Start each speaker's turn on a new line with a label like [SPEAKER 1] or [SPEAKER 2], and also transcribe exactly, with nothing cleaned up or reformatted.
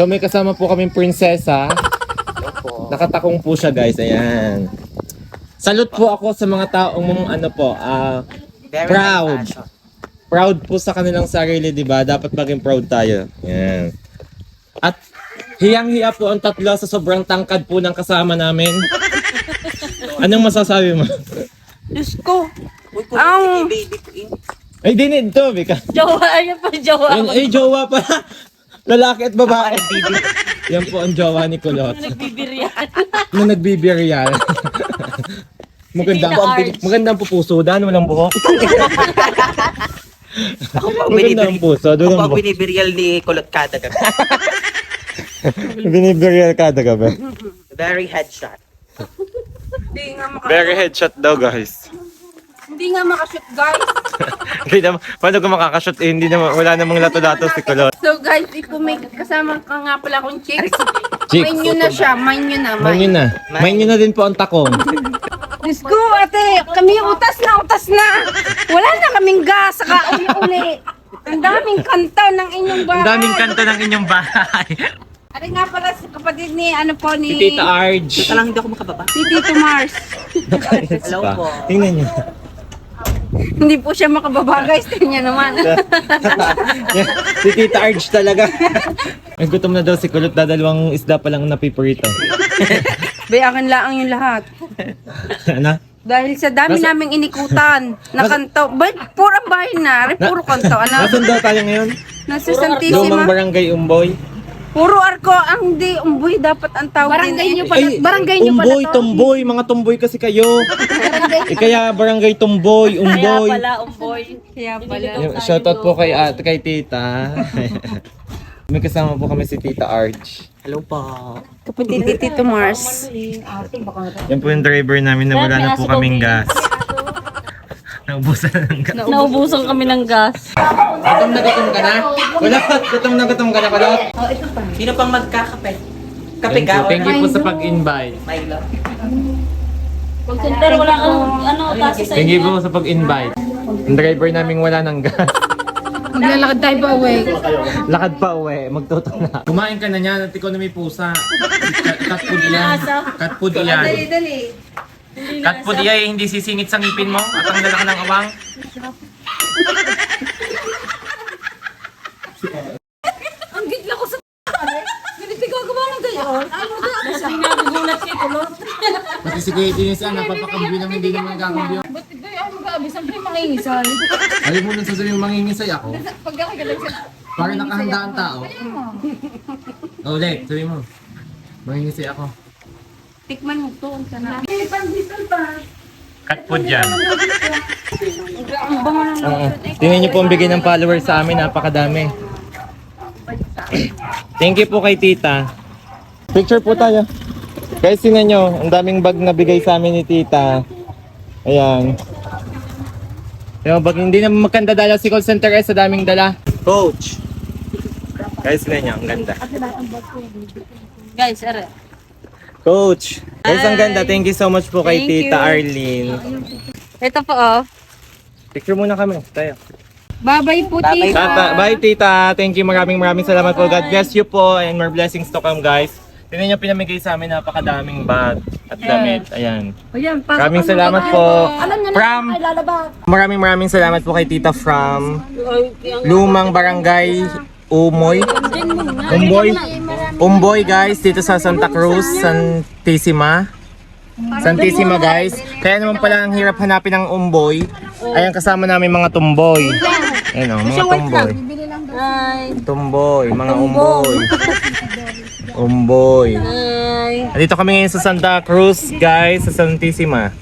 [SPEAKER 1] So may kasama po kaming prinsesa. Nakatakong po siya guys, ayan. Salute po ako sa mga taong ano po, ah uh, proud. Proud po sa kanilang sarili, di ba? Dapat maging proud tayo. Ayan. At hiyang-hiya po ang tatlo sa sobrang tangkad po ng kasama namin. Anong masasabi mo?
[SPEAKER 2] Diyos ko. Ang...
[SPEAKER 1] Ay, dinid to, Vika.
[SPEAKER 2] Jowa, ayun pa, jowa.
[SPEAKER 1] Ay, ay, jowa pa. Lalaki at babae. Yan po ang jowa ni Kulot.
[SPEAKER 2] Nagbibiryan.
[SPEAKER 1] Na nagbibiryan. Maganda po ang maganda ang pupusudan, walang buhok.
[SPEAKER 3] Ako po ang
[SPEAKER 1] Maganda ang puso, doon
[SPEAKER 3] Ako
[SPEAKER 1] ang
[SPEAKER 3] ang
[SPEAKER 1] buhok.
[SPEAKER 3] binibirial ni Kulot kada gabi.
[SPEAKER 1] Binibiryan kada gabi.
[SPEAKER 3] Very headshot.
[SPEAKER 2] Hindi nga makashoot.
[SPEAKER 1] Very headshot daw, guys.
[SPEAKER 2] Hindi nga makashoot, guys.
[SPEAKER 1] Hindi naman, paano kung makakashoot eh, hindi naman, wala namang lato-lato si Kulot.
[SPEAKER 2] So, guys, if may kasama ka nga pala akong chicks,
[SPEAKER 1] Chicks.
[SPEAKER 2] main nyo na siya, main nyo na,
[SPEAKER 1] Main nyo
[SPEAKER 2] main.
[SPEAKER 1] na. Main nyo na din po ang takong.
[SPEAKER 2] Diyos ko, ate, kami utas na, utas na. Wala na kaming gas, saka uli-uli. Ang daming kanta ng inyong bahay.
[SPEAKER 1] Ang daming kanta ng inyong bahay.
[SPEAKER 2] Ari nga pala si kapatid ni, ano po, ni...
[SPEAKER 1] Si Tita Arj.
[SPEAKER 3] Ito lang hindi ako makababa.
[SPEAKER 2] Si Tito Mars.
[SPEAKER 3] Hello
[SPEAKER 1] Pa.
[SPEAKER 3] po.
[SPEAKER 1] Tingnan nyo.
[SPEAKER 2] Hindi po siya makababa, guys. Tingnan naman.
[SPEAKER 1] Si Tita Arj talaga. Ay, gutom na daw si Kulot, dadalawang isda pa lang napiprito.
[SPEAKER 2] Bay, akin lang yung lahat.
[SPEAKER 1] Ano?
[SPEAKER 2] Dahil sa dami
[SPEAKER 1] Nasa-
[SPEAKER 2] naming inikutan, na kanto. Bay, puro bahay na. Ari, puro kanto. Ano?
[SPEAKER 1] Nasaan daw tayo ngayon?
[SPEAKER 2] Nasa
[SPEAKER 1] Lumang
[SPEAKER 2] Santissima.
[SPEAKER 1] Barangay Umboy.
[SPEAKER 2] Puro arko. Ang di, umboy dapat ang tawag. Barangay nyo pala. Barangay nyo pala
[SPEAKER 1] Umboy,
[SPEAKER 2] to.
[SPEAKER 1] Tomboy, mga tomboy kasi kayo. Eh kaya Barangay Tomboy, Umboy.
[SPEAKER 2] umboy. Kaya pala.
[SPEAKER 1] Yung shoutout po kay at kay Tita. May kasama po kami si Tita Arj.
[SPEAKER 3] Hello po.
[SPEAKER 2] Kapatid ni Tito Mars.
[SPEAKER 1] Yan po yung driver namin na wala na po kaming gas. Naubusan ng gas.
[SPEAKER 2] Naubusan kami ng gas.
[SPEAKER 1] Gutom na gutom ka na? Wala, gutom na gutom ka na pala.
[SPEAKER 3] Sino pang magkakape? Kape
[SPEAKER 1] Thank
[SPEAKER 3] ka?
[SPEAKER 1] you, thank you po sa pag-invite.
[SPEAKER 3] Milo.
[SPEAKER 2] Pero wala kang ano, tasa sa
[SPEAKER 1] Thank you po sa pag-invite. Ang driver namin wala ng gas.
[SPEAKER 2] Maglalakad tayo pa away.
[SPEAKER 1] Lakad pa uwi, magtutong na. Kumain ka na niyan at ikaw na may pusa. Cat cat food yan. Cat food yan.
[SPEAKER 2] dali.
[SPEAKER 1] Cat food yan, hindi sisingit sa ngipin mo at ang lalaki ng awang.
[SPEAKER 2] Ang gigla ko sa ganito gagawa ng gayon. Ano na? Kasi nagugulat si Kulot.
[SPEAKER 1] Pati si Kuya Denise yan, napapakambyo ng hindi naman kakambyo.
[SPEAKER 2] Ba't ito ay mag-aabi? Siyempre mangingisal.
[SPEAKER 1] Alam mo nang sasabihin mangingisay ako.
[SPEAKER 2] Pag ako galang sa...
[SPEAKER 1] Para nakahanda ang tao. O, ulit, sabi mo. Mangingisay ako.
[SPEAKER 2] Tikman mo to. Ang sana.
[SPEAKER 1] Cat food yan.
[SPEAKER 2] Ang bango ng
[SPEAKER 1] Oo. Tingnan niyo po ang bigay ng followers sa amin, napakadami. Thank you po kay Tita. Picture po tayo. Guys, tingnan nyo, ang daming bag na bigay sa amin ni Tita. Ayan. Yung bag, hindi na magkanda dala si call center eh, sa daming dala. Coach! Guys, tingnan nyo, ang ganda.
[SPEAKER 2] Guys, are.
[SPEAKER 1] Coach! Guys, ang ganda. Thank you so much po kay
[SPEAKER 2] Thank
[SPEAKER 1] Tita
[SPEAKER 2] you.
[SPEAKER 1] Arlene.
[SPEAKER 2] Ito po oh.
[SPEAKER 1] Picture muna kami. Tayo.
[SPEAKER 2] Babay po,
[SPEAKER 3] Babay.
[SPEAKER 2] tita.
[SPEAKER 1] Tata, bye Tita. Thank you. Maraming maraming salamat po. God bless you po and more blessings to come, guys. Tingnan niyo pinamigay sa amin, napakadaming bag at damit. Ayan.
[SPEAKER 2] Ayan, pasok
[SPEAKER 1] Maraming
[SPEAKER 2] ang
[SPEAKER 1] salamat
[SPEAKER 2] mga
[SPEAKER 1] po.
[SPEAKER 2] Alam niyo na,
[SPEAKER 1] From
[SPEAKER 2] ay lalabas.
[SPEAKER 1] Maraming maraming salamat po kay Tita from Lumang Barangay Umoy. Umboy. Umboy guys, dito sa Santa Cruz, Santissima. Santissima guys. Kaya naman pala ang hirap hanapin ng umboy. Ayan kasama namin mga tumboy. Ayan o, mga tumboy.
[SPEAKER 2] Ay.
[SPEAKER 1] Tumboy, mga umboy. Umboy.
[SPEAKER 2] Ay.
[SPEAKER 1] Dito kami ngayon sa Santa Cruz guys, sa Santissima.